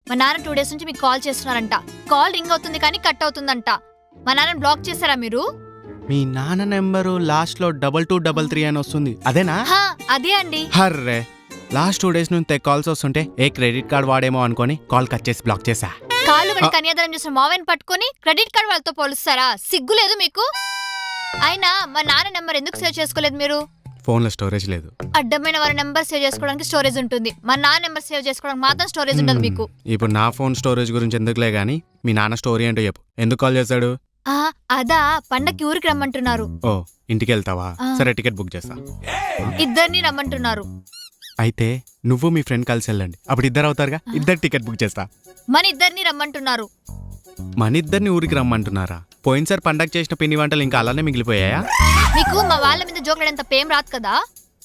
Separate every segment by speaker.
Speaker 1: మా నాన్న 2 days నుంచి మీకు కాల్ చేస్తున్నారంట. కాల్ రింగ్ అవుతుంది కానీ కట్ అవుతుందంట. మా నాన్న బ్లాక్ చేశారా మీరు?
Speaker 2: మీ నాన్న నెంబరు లాస్ట్ లో 2233 అని వస్తుంది, అదేనా?
Speaker 1: అదే అండి.
Speaker 2: హర్రే, లాస్ట్ 2 days నుంచి కాల్స్ వస్తుంటే ఏ క్రెడిట్ కార్డ్ వాడేమో అనుకొని కాల్ కట్ చేసి బ్లాక్ చేసా.
Speaker 1: కాళ్ళు గడి కన్యాదానం చేసిన మావయ్యని పట్టుకొని క్రెడిట్ కార్డ్ వాళ్ళతో పోలుస్తారా? సిగ్గు లేదు మీకు? అయినా మా నాన్న నెంబర్ ఎందుకు సేవ్ చేసుకోలేదు మీరు?
Speaker 2: ఫోన్ లో స్టోరేజ్ లేదు.
Speaker 1: అడ్డమైన వారి నెంబర్ సేవ్ చేసుకోవడానికి స్టోరేజ్ ఉంటుంది, మా నాన్న నెంబర్ సేవ్ చేసుకోవడానికి మాత్రం స్టోరేజ్ ఉండదు మీకు.
Speaker 2: ఇప్పుడు నా ఫోన్ స్టోరేజ్ గురించి ఎందుకులే గానీ మీ నాన్న స్టోరీ ఏంటో చెప్పు. ఎందుకు కాల్ చేశాడు?
Speaker 1: అదా, పండక్కి ఊరికి రమ్మంటున్నారు.
Speaker 2: ఓ, ఇంటికి వెళ్తావా? సరే, టికెట్ బుక్ చేస్తా.
Speaker 1: ఇద్దరిని రమ్మంటున్నారు.
Speaker 2: అయితే నువ్వు మీ ఫ్రెండ్ కలిసి వెళ్ళండి, అప్పుడు ఇద్దరు అవుతారుగా. ఇద్దరు టికెట్ బుక్ చేస్తా.
Speaker 1: మన ఇద్దరిని రమ్మంటున్నారు.
Speaker 2: మన ఇద్దరిని ఊరికి రమ్మంటున్నారా? పోయినసారి పండగ చేసిన పిండి వంటలు ఇంకా అలానే మిగిలిపోయాయా?
Speaker 1: మీకు మా వాళ్ళ మీద జోకులంత పేం రాదు కదా.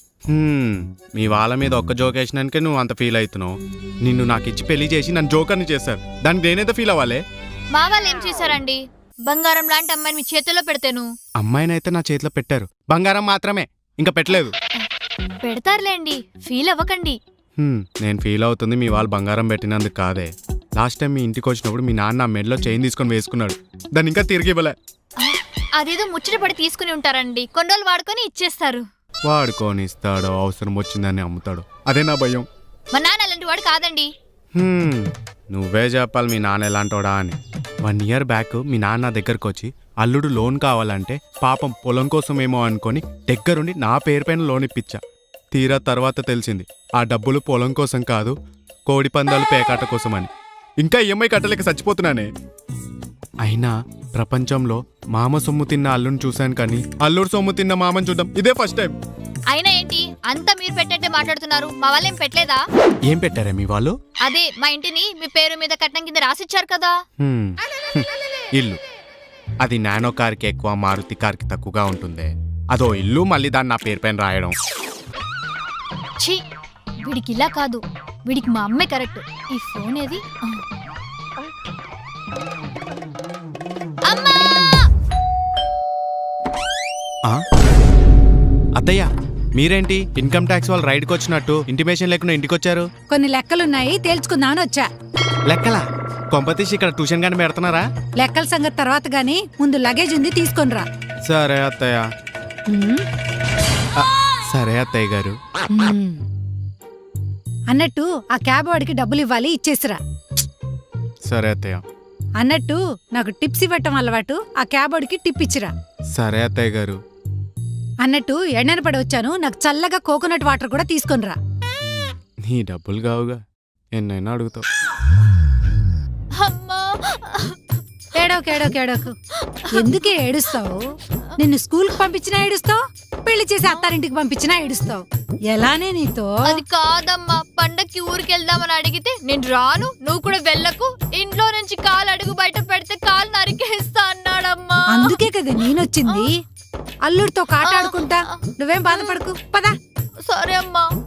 Speaker 2: మీ వాళ్ళ మీద ఒక్క జోక్ వేసినానికే నువ్వు అంత ఫీల్ అవుతున్నావు. నిన్ను నాకు ఇచ్చి పెళ్లి చేసి నన్ను జోకర్ని చేశారు, దానికి నేనైతే ఫీల్ అవ్వాలి.
Speaker 1: మా వాళ్ళు ఏం చేశారండి? బంగారం లాంటి అమ్మాయిని మీ చేతిలో పెడతాను.
Speaker 2: అమ్మాయినైతే నా చేతిలో పెట్టారు, బంగారం మాత్రమే, ఇంకా పెట్టలేదు.
Speaker 1: పెడతారులేండి, ఫీల్ అవ్వకండి.
Speaker 2: నేను ఫీల్ అవుతుంది మీ వాళ్ళు బంగారం పెట్టినందుకు కాదే. లాస్ట్ టైం మీ ఇంటికి వచ్చినప్పుడు మీ నాన్న ఆ మెడలో చైన్ తీసుకొని వేసుకున్నాడు, దాన్ని ఇంకా తిరిగి ఇవ్వలే.
Speaker 1: అదేదో ముచ్చట పడి తీసుకుని ఉంటారండి, కొన్ని రోజులు వాడుకొని ఇచ్చేస్తారు.
Speaker 2: వాడుకొని ఇస్తాడో, అవసరం వచ్చిందని అమ్ముతాడు, అదే నా భయం.
Speaker 1: మా నాన్న అలాంటి వాడు కాదండి.
Speaker 2: నువ్వే చెప్పాలి మీ నాన్న ఎలాంటోడా అని. 1 year బ్యాక్ మీ నాన్న దగ్గరకు వచ్చి అల్లుడు లోన్ కావాలంటే పాపం పొలం కోసమేమో అనుకొని దగ్గరుండి నా పేరు పైన లోన్ ఇప్పించా. తీరా తర్వాత తెలిసింది ఆ డబ్బులు పొలం కోసం కాదు, కోడి పందాలు పేకాట కోసం అని. ఇంకా ఈఎంఐ కట్టలేక చచ్చిపోతున్నానే. అయినా ప్రపంచంలో మామ సొమ్ము తిన్న అల్లుని చూశాను కానీ అల్లుడు సొమ్ము తిన్న మామని చూడడం ఇదే ఫస్ట్ టైం.
Speaker 1: అయినా ఏంటి అంతా మీరు పెట్టంటే మాట్లాడుతున్నారు? మా వాళ్ళు ఏం పెట్టలేదా?
Speaker 2: ఏం పెట్టారే మీ వాళ్ళు?
Speaker 1: అదే మా ఇంటిని మీ పేరు మీద కట్నం కింద రాసిచ్చారు కదా.
Speaker 2: ఇల్లు అది నానో కార్కి ఎక్కువ, మారుతి కార్కి తక్కువగా ఉంటుంది. అదో ఇల్లు, మళ్ళీ దాన్ని నా పేరు పైన రాయడం.
Speaker 1: ఛీ, వీడికి ఇలా కాదు, వీడికి మా అమ్మే కరెక్ట్. ఈ ఫోన్ ఏది? అమ్మా!
Speaker 2: అత్తయ్య, మీరేంటి ఇన్కమ్ ట్యాక్స్ వాళ్ళు రైడ్కి వచ్చినట్టు ఇంటిమేషన్ లేకుండా ఇంటికి వచ్చారు?
Speaker 3: కొన్ని లెక్కలున్నాయి, తేల్చుకుందామని వచ్చా.
Speaker 2: లెక్కలా? కొంపతీసి ఇక్కడ ట్యూషన్ గాని పెడుతున్నారా?
Speaker 3: లెక్కల సంగతి తర్వాత గాని ముందు లగేజ్ ఉంది, తీసుకొనిరా.
Speaker 2: సరే అత్తయ్య. సరే అత్తయ్య గారు.
Speaker 3: అన్నట్టు ఆ క్యాబ్ వాడికి డబ్బులు ఇవ్వాలి, ఇచ్చేసిరా.
Speaker 2: సరే అత్తయ్య.
Speaker 3: అన్నట్టు నాకు టిప్స్ ఇవ్వటం అలవాటు, ఆ క్యాబ్ వాడికి టిప్ ఇచ్చిరా.
Speaker 2: సరే అత్తయ్య గారు.
Speaker 3: అన్నట్టు ఎండన పడి వచ్చాను, నాకు చల్లగా కోకోనట్ వాటర్ కూడా తీసుకొనిరా.
Speaker 2: నీ డబ్బులు కావుగా, ఎన్నైనా అడుగుతావు.
Speaker 3: ఏడోకు ఎందుకే ఏడుస్తావు? నిన్ను స్కూల్కి పంపించినా ఏడుస్తావు, పెళ్లి చేసి అత్తారింటికి పంపించినా ఏడుస్తావు. ఎలానే నీతో?
Speaker 1: అది కాదమ్మా, పండక్కి ఊరికి వెళ్దామని అడిగితే నేను రాను, నువ్వు కూడా వెళ్ళకు, ఇంట్లో నుంచి కాలు అడుగు బయట పెడితే కాలు నరికేస్తా అన్నాడమ్మా.
Speaker 3: అందుకే కదా నేనొచ్చింది. అల్లుడితో కాటాడుకుంటా. నువ్వేం బాధపడకు, పదా.
Speaker 1: సరే అమ్మా.